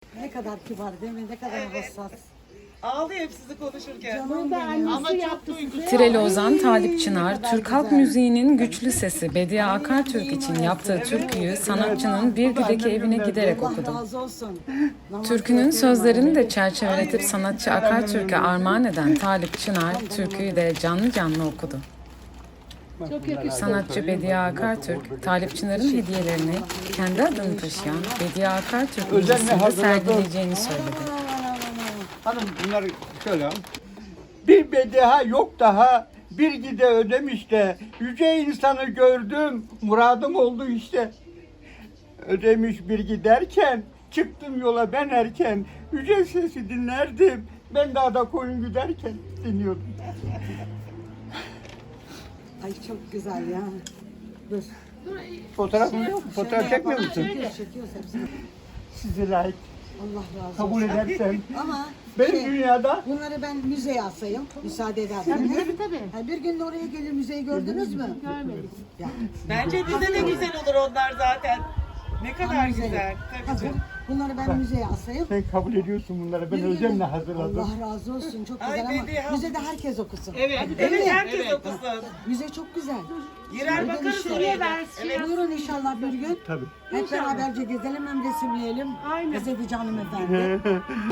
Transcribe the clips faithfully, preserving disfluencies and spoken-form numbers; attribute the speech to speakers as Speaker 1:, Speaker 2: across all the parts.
Speaker 1: Ne kadar kibar değil mi? Ne kadar
Speaker 2: Evet.
Speaker 1: hassas.
Speaker 2: Ağlıyor hep sizi konuşurken.
Speaker 1: Canım benim.
Speaker 2: Ama çok duygusal.
Speaker 3: Tireli Ozan Talip Çınar,
Speaker 1: kadar
Speaker 3: Türk halk
Speaker 1: güzel.
Speaker 3: müziğinin güçlü sesi Bediye Akartürk için yaptığı türküyü sanatçının Birgü'deki evine giderek
Speaker 1: Allah
Speaker 3: okudu.
Speaker 1: razı olsun. Namaz
Speaker 3: Türkünün
Speaker 1: kılıyorum
Speaker 3: sözlerini de
Speaker 1: abi.
Speaker 3: çerçeveletip sanatçı Akartürk'e armağan eden Talip Çınar, türküyü de canlı canlı okudu. Sanatçı Bediye Akartürk, Talip Çınar'ın hediyelerini kendi adını taşıyan Bediye Akartürk Müzesi'nde sergileyeceğini söyledi.
Speaker 4: Hanım bunları şöyle al. Bir bedeha yok daha, bir gide ödemiş de, yüce insanı gördüm, muradım oldu işte. Ödemiş bir giderken, çıktım yola ben erken, yüce sesi dinlerdim, ben dağda koyun güderken dinliyordum.
Speaker 1: Ay çok güzel ya. Dur.
Speaker 4: Fotoğrafın yok mu? Fotoğraf çekmiyor musun?
Speaker 1: Çekiyoruz, çekiyoruz hepsini.
Speaker 4: Size layık
Speaker 1: Allah razı
Speaker 4: kabul
Speaker 1: olsun.
Speaker 4: edersen.
Speaker 1: Ama
Speaker 4: Benim
Speaker 1: şey,
Speaker 4: dünyada
Speaker 1: bunları ben müzeye asayım. Müsaade ederseniz. Tabii tabii. Ha, bir gün de oraya gelir müzeyi gördünüz mü? Görmedik. Ya.
Speaker 2: Bence bize de güzel olur onlar zaten. Ne kadar
Speaker 1: Müzeye.
Speaker 2: güzel. Tabii
Speaker 1: Hazır.
Speaker 2: canım.
Speaker 1: Bunları ben müzeye asayım.
Speaker 4: sen kabul ediyorsun bunları. Ben
Speaker 1: Bir gün
Speaker 4: özenle
Speaker 1: de-
Speaker 4: hazırladım.
Speaker 1: Allah razı olsun. Çok
Speaker 2: Ay,
Speaker 1: güzel ama
Speaker 2: beni ya.
Speaker 1: müzede herkes okusun.
Speaker 2: Evet,
Speaker 1: Değil
Speaker 2: evet
Speaker 1: mi?
Speaker 2: herkes okusun.
Speaker 1: Müze çok güzel.
Speaker 2: Girer
Speaker 1: Bugün
Speaker 2: bakarız
Speaker 1: işte-
Speaker 2: oraya da. Evet.
Speaker 1: Buyurun inşallah bir gün.
Speaker 4: Tabii.
Speaker 1: Hep beraberce gezelim hem resimleyelim. Aynen. Gazeteci hanımefendi.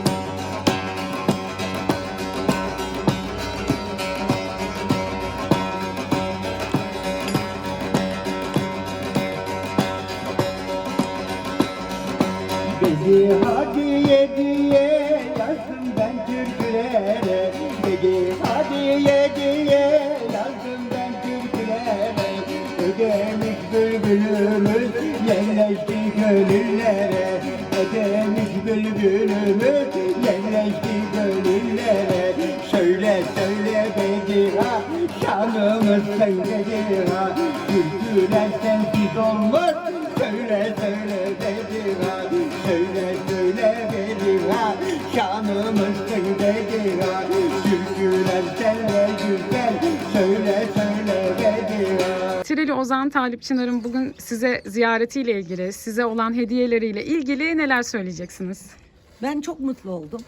Speaker 4: Dedi hadiye diye yazdım ben türkülere. Dedi hadiye diye yazdım ben türkülere. Ödemiş bülbülümüz yerleşti gönüllere. Ödemiş bülbülümüz yerleşti gönüllere. Söyle söyle Bediha, şanımız sen Bediha. Türküler sensiz olmaz. Söyle söyle Bediha, söyle söyle Bediha, şanımız sen Bediha. Türküler senle güzel, söyle söyle Bediha.
Speaker 3: Tireli Ozan Talip Çınar'ın bugün size ziyaretiyle ilgili, size olan hediyeleriyle ilgili neler söyleyeceksiniz?
Speaker 1: Ben çok mutlu oldum.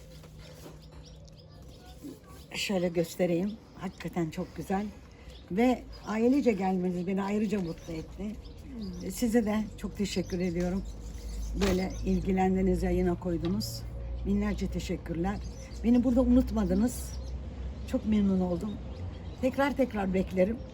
Speaker 1: Şöyle göstereyim. Hakikaten çok güzel. Ve ailece gelmeniz beni ayrıca mutlu etti. Size de çok teşekkür ediyorum. Böyle ilgilendiniz, yayına koydunuz. Binlerce teşekkürler. Beni burada unutmadınız. Çok memnun oldum. Tekrar tekrar beklerim.